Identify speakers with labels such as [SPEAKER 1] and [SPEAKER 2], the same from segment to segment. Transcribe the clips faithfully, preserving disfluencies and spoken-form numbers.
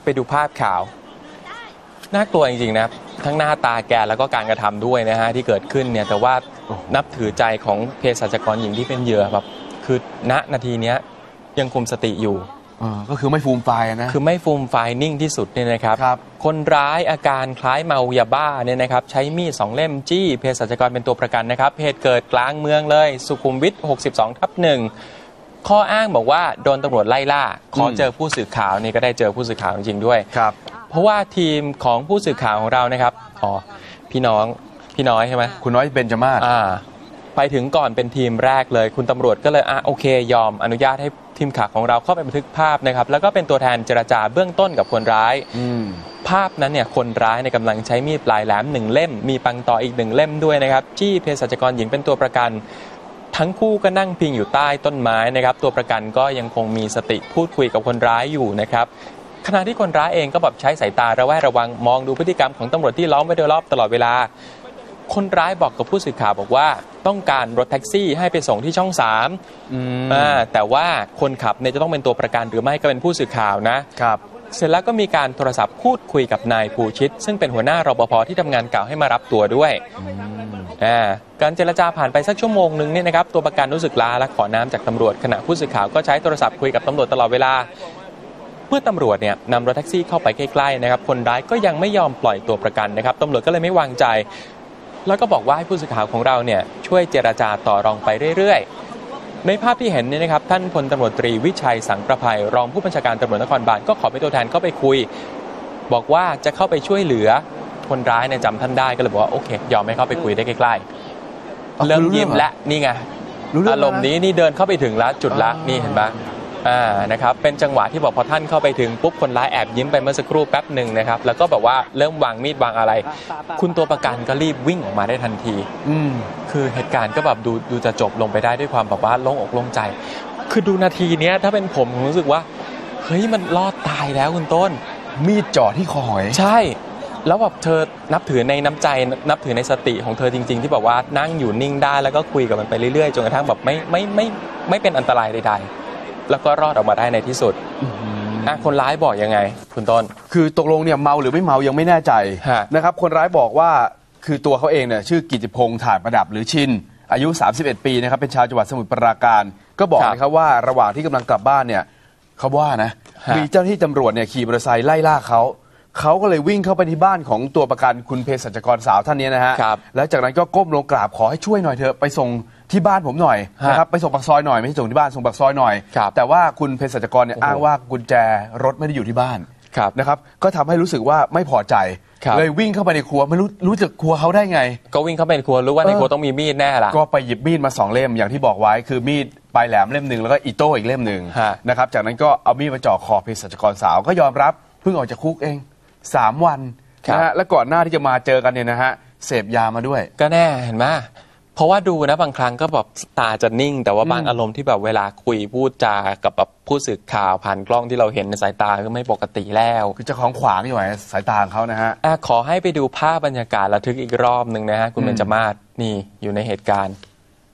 [SPEAKER 1] ไปดูภาพข่าวน่ากลัวจริงๆนะทั้งหน้าตาแกแล้วก็การกระทำด้วยนะฮะที่เกิดขึ้นเนี่ยแต่ว่านับถือใจของเภสัชกรหญิงที่เป็นเหยื่อแบบคือณนาทีนี้ยังคุมสติอยู่
[SPEAKER 2] ก็คือไม่ฟูมไฟนะ
[SPEAKER 1] คือไม่ฟูมไฟนิ่งที่สุดเนี่ยนะครับรบคนร้ายอาการคล้ายเมายาบ้าเนี่ยนะครับใช้มีดสองเล่มจี้เภสัชกรเป็นตัวประกันนะครับเหตุเกิดกลางเมืองเลยสุขุมวิทหกสิบสองทับหนึ่งข้ออ้างบอกว่าโดนตำรวจไล่ล่าขอเจอผู้สื่อข่าวนี่ก็ได้เจอผู้สื่อข่าวจริงๆด้วย
[SPEAKER 2] ครับ
[SPEAKER 1] เพราะว่าทีมของผู้สื่อข่าวของเรานะครับอ๋อพี่น้องพี่น้อยใช่ไหม
[SPEAKER 2] คุณน้อยเบญจมาศ
[SPEAKER 1] อ่าไปถึงก่อนเป็นทีมแรกเลยคุณตำรวจก็เลยอ่ะโอเคยอมอนุญาตให้ทีมข่าวของเราเข้าไปบันทึกภาพนะครับแล้วก็เป็นตัวแทนเจรจาเบื้องต้นกับคนร้ายภาพนั้นเนี่ยคนร้ายในกำลังใช้มีดปลายแหลมหนึ่งเล่มมีปังต่ออีกหนึ่งเล่มด้วยนะครับจี้เภสัชกรหญิงเป็นตัวประกันทั้งคู่ก็นั่งพิงอยู่ใต้ต้นไม้นะครับตัวประกันก็ยังคงมีสติพูดคุยกับคนร้ายอยู่นะครับขณะที่คนร้ายเองก็แบบใช้สายตาระแวดระวังมองดูพฤติกรรมของตำรวจที่ล้อมไว้โดยรอบตลอดเวลาคนร้ายบอกกับผู้สื่อข่าวบอกว่าต้องการรถแท็กซี่ให้ไปส่งที่ช่องสามอ่าแต่ว่าคนขับเนี่ยจะต้องเป็นตัวประกันหรือไม่ก็เป็นผู้สื่อข่าวนะครับเสร็จแล้วก็มีการโทรศัพท์พูดคุยกับนายภูชิตซึ่งเป็นหัวหน้ารปภที่ทำงานเก่าให้มารับตัวด้วยอ่าการเจรจาผ่านไปสักชั่วโมงนึงเนี่ยนะครับตัวประกันรู้สึกล้าและขอน้ำจากตำรวจขณะผู้สื่อข่าวก็ใช้โทรศัพท์คุยกับตำรวจตลอดเวลาเมื่อตำรวจเนี่ยนำรถแท็กซี่เข้าไปใกล้ๆนะครับคนร้ายก็ยังไม่ยอมปล่อยตัวประกันนะครับตำรวจก็เลยไม่วางใจแล้วก็บอกว่าให้ผู้สื่อข่าวของเราเนี่ยช่วยเจรจาต่อรองไปเรื่อยๆในภาพที่เห็นเนี่ยนะครับท่านพลตำรวจตรีวิชัยสังประภัยรองผู้บัญชาการตำรวจนครบาลก็ขอเป็นตัวแทนเข้าไปคุยบอกว่าจะเข้าไปช่วยเหลือคนร้ายเนี่ยจำท่านได้ก็เลยบอกว่าโอเคยอมให้เข้าไปคุยได้ใกล้ๆเริ่มยิ้มและนี่ไงอารมณ์นี้นี่เดินเข้าไปถึงแล้วจุดละนี่เห็นปะอ่านะครับเป็นจังหวะที่บอกพอท่านเข้าไปถึงปุ๊บคนร้ายแอบยิ้มไปเมื่อสักครู่แป๊บหนึ่งนะครับแล้วก็แบบว่าเริ่มวางมีดวางอะไรคุณตัวประกันก็รีบวิ่งออกมาได้ทันทีอืมคือเหตุการณ์ก็แบบดูดูจะจบลงไปได้ด้วยความแบบว่าโล่งอกโล่งใจคือดูนาทีเนี้ยถ้าเป็นผมผมรู้สึกว่าเฮ้ยมันรอดตายแล้วคุณต้น
[SPEAKER 2] มีดจ่อที่คอหอย
[SPEAKER 1] ใช่แล้วแบบเธอนับถือในน้ำใจนับถือในสติของเธอจริงๆที่แบบว่านั่งอยู่นิ่งได้แล้วก็คุยกับมันไปเรื่อยๆจนกระทั่งแบบไม่ไม่ไม่ไม่เป็นอันตรายใดๆแล้วก็รอดออกมาได้ในที่สุดอ่ะคนร้ายบอกยังไงคุณต้น
[SPEAKER 2] คือตกลงเนี่ยเมาหรือไม่เมายังไม่แน่ใจนะครับคนร้ายบอกว่าคือตัวเขาเองเนี่ยชื่อกิติพงษ์ถ่านประดับหรือชินอายุสามสิบเอ็ดปีนะครับเป็นชาวจังหวัดสมุทรปราการก็บอกนะครับว่าระหว่างที่กำลังกลับบ้านเนี่ยเขาว่านะมีเจ้าหน้าที่ตำรวจเนี่ยขี่มอเตอร์ไซค์ไล่ล่าเขาเขาก็เลยวิ่งเข้าไปที่บ้านของตัวประกันคุณเภสัชกรสาวท่านนี้นะฮะแล้วจากนั้นก็ก้มลงกราบขอให้ช่วยหน่อยเถอะไปส่งที่บ้านผมหน่อยนะครับไปส่งปากซอยหน่อยไม่ใช่ส่งที่บ้านส่งปากซอยหน่อยแต่ว่าคุณเภสัชกรเนี่ยอ้างว่ากุญแจรถไม่ได้อยู่ที่บ้านนะครับก็ทำให้รู้สึกว่าไม่พอใจเลยวิ่งเข้าไปในครัวไม่รู้รู้จักครัวเขาได้ไง
[SPEAKER 1] ก็วิ่งเข้าไปในครัวรู้ว่าในครัวต้องมีมีดแน่ละ
[SPEAKER 2] ก็ไปหยิบมีดมาสองเล่มอย่างที่บอกไว้คือมีดปลายแหลมเล่มหนึ่งแล้วก็อีโต้อีกเล่มหนึ่งนะครับจากนั้นก็เอามีดมาจ่อคอเภสัชกรสาวก็ยอมรับเพิ่งออกจากคุกเองสามวันนะฮะและก่อนหน้าที่จะมาเจอกันเนี่ยนะฮะเสพยามาด้วย
[SPEAKER 1] ก็แน่เห็นไหมเพราะว่าดูนะบางครั้งก็แบบตาจะนิ่งแต่ว่าบางอารมณ์ที่แบบเวลาคุยพูดจากับแบบผู้สื่อข่าวผ่านกล้องที่เราเห็นในสายตาก็ไม่ปกติแล้ว
[SPEAKER 2] คือจะของขวางอยู่ไหนสายตาของเขานะฮะ
[SPEAKER 1] ขอให้ไปดูภาพบรรยากาศระทึกอีกรอบหนึ่งนะฮะคุณเบญจมาศนี่อยู่ในเหตุการณ์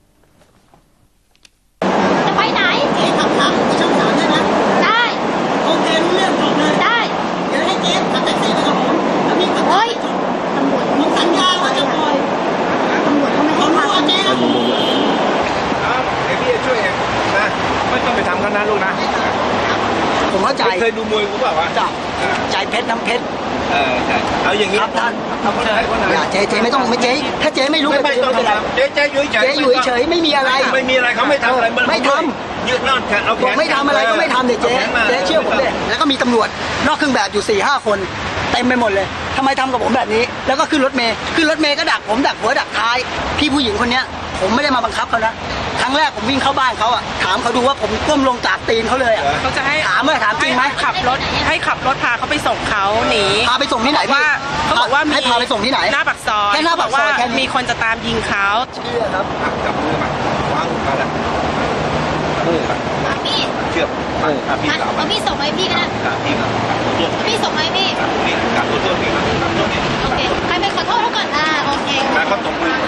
[SPEAKER 3] จะไปไหนเจ๊ขับขับที่ช่องสามได้ไหมได้โอเครู้เรื่องจบเลยได้เดี๋ยวให้เจ๊ขับแท็กซี่ไปกับผมแล้วพี่ขับเฮ้ยตำรวจมึงสัญญาว่าจะปล่อยตำรวจเขาไม่ให้ทำเจ๊นะผม
[SPEAKER 4] เดี๋ยวพี่จะช่วยเองนะไม่ต้องไปทำเขานะลูกนะ
[SPEAKER 3] ผมเข้าใจ
[SPEAKER 4] เคยดูมวยกูเปล่าวะ
[SPEAKER 3] จ้ะใจเพชรน้ำเพชร
[SPEAKER 4] เออใช่เอาอย่างนี้
[SPEAKER 3] ครับท่านอย่าเจ๊เจ๊ไม่ต้องไม่เจ๊ถ้าเจ๊ไม่รู้
[SPEAKER 4] ไม่ต้องไม่เจ๊เจ๊อยู่เฉย
[SPEAKER 3] เจ๊อยู่เฉยไม่มีอะไร
[SPEAKER 4] ไม่มีอะไรเขาไม่ทำอะไร
[SPEAKER 3] ไม่ทำ
[SPEAKER 4] ยืดนอนแขนเอาแขน
[SPEAKER 3] ไม่ทำอะไรก็ไม่ทำเด็กเจ๊เจ๊เชื่อผมเลยแล้วก็มีตำรวจนอกเครื่องแบบอยู่สี่ห้าคนเต็มไปหมดเลยทำไมทำกับผมแบบนี้แล้วก็ขึ้นรถเมย์ขึ้นรถเมย์ก็ดักผมดักหัวดักท้ายพี่ผู้หญิงคนเนี้ยผมไม่ได้มาบังคับเขานะครั้งแรกผมวิ่งเข้าบ้านเขาอ่ะถามเขาดูว่าผมก้มลงจากตีนเขาเลยอ่ะ
[SPEAKER 5] เขาจะให้
[SPEAKER 3] ถามเมื่อถามจริงไหม
[SPEAKER 5] ขับรถให้ขับรถพาเขาไปส่งเขาหนี
[SPEAKER 3] พาไปส่งที่ไหนพี่
[SPEAKER 5] เขาบอกว่า
[SPEAKER 3] ให้พาไปส่งที่ไหน
[SPEAKER 5] หน้าปากซอย
[SPEAKER 3] แค่หน้าปากซอยแค่
[SPEAKER 5] มีคนจะตามยิงเขา
[SPEAKER 3] เชื่อครับ
[SPEAKER 4] จับมือมาวางมาแล้วมือมา
[SPEAKER 6] พี่
[SPEAKER 4] เชื่อมาพี่สาว
[SPEAKER 6] มาพี่ส่งไหมพี่กันนะ
[SPEAKER 4] พี่
[SPEAKER 6] พี่ส่งไหมพี่
[SPEAKER 4] พี่การตัวตัวพี่มาตัวนี้
[SPEAKER 6] โอเคใครไปขอโทษเขาก่อนอ่าโอเค
[SPEAKER 4] มาเขาตบมือ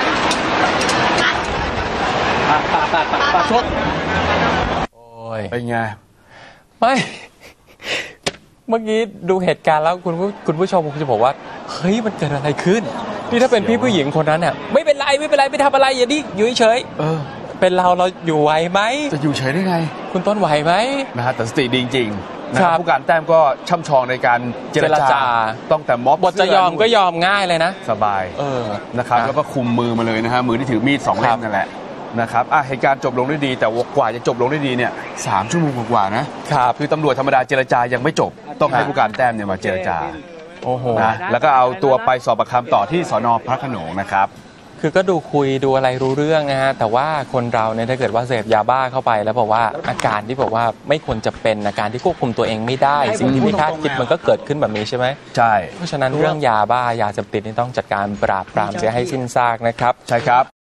[SPEAKER 3] ปาปาปาปาปาชด
[SPEAKER 1] โอ้ย
[SPEAKER 2] เป็นไง
[SPEAKER 1] ไม่เมื่อกี้ดูเหตุการณ์แล้วคุณผู้คุณผู้ชมคงจะบอกว่าเฮ้ยมันเกิดอะไรขึ้นนี่ถ้าเป็นพี่ผู้หญิงคนนั้นเนี่ยไม่เป็นไรไม่เป็นไรไม่ทำอะไรอย่าดิอยู่เฉย
[SPEAKER 2] เออ
[SPEAKER 1] เป็นเราเราอยู่ไหวไหม
[SPEAKER 2] จะอยู่เฉยได้ไง
[SPEAKER 1] คุณต้นไหวไหม
[SPEAKER 2] นะฮะแต่สติดีจริงๆนะค
[SPEAKER 1] ครั
[SPEAKER 2] รับบ ผู้การแต้มก็ช่ำชองในการเจร
[SPEAKER 1] เจร
[SPEAKER 2] จา
[SPEAKER 1] จา
[SPEAKER 2] ต้องแต่ม็อบบ
[SPEAKER 1] ทจะยอมก็ยอมง่ายเลยนะ
[SPEAKER 2] สบาย
[SPEAKER 1] เออ
[SPEAKER 2] นะครับ
[SPEAKER 1] นะ
[SPEAKER 2] แล้วก็คุมมือมาเลยนะฮะมือที่ถือมีดสองเล่
[SPEAKER 1] ครั
[SPEAKER 2] ม
[SPEAKER 1] บ
[SPEAKER 2] นั่นแหละนะครับอ่ะเหตุการณ์จบลงด้วยดี แต่กว่าจะจบลงด้วยดีเนี่ยสามชั่วโมงกว่าๆนะครับ คือตำรวจธรรมดาเจรจายังไม่จบต้องให้
[SPEAKER 1] ครับ
[SPEAKER 2] ผู้การแต้มเนี่ยมาเจรจา
[SPEAKER 1] โอ้โห
[SPEAKER 2] นะแล้วก็เอาตัวไปสอบปากคำต่อที่สนพระโขนงนะครับ
[SPEAKER 1] คือก็ดูคุยดูอะไรรู้เรื่องนะฮะแต่ว่าคนเราเนี่ยถ้าเกิดว่าเสพยาบ้าเข้าไปแล้วบอกว่าอาการที่บอกว่าไม่ควรจะเป็นอาการที่ควบคุมตัวเองไม่ได้
[SPEAKER 3] ให้ผม
[SPEAKER 1] สิ่งที่ไม่คาด
[SPEAKER 3] พูดตรงๆ
[SPEAKER 1] คิด
[SPEAKER 3] แล้ว
[SPEAKER 1] มันก็เกิดขึ้นแบบนี้ใช่ไหม
[SPEAKER 2] ใช่
[SPEAKER 1] เพราะฉะนั้นเรื่องยาบ้ายาเสพติดนี่ต้องจัดการปราบปรามเสียให้สิ้นซากนะครับ
[SPEAKER 2] ใช่ครับ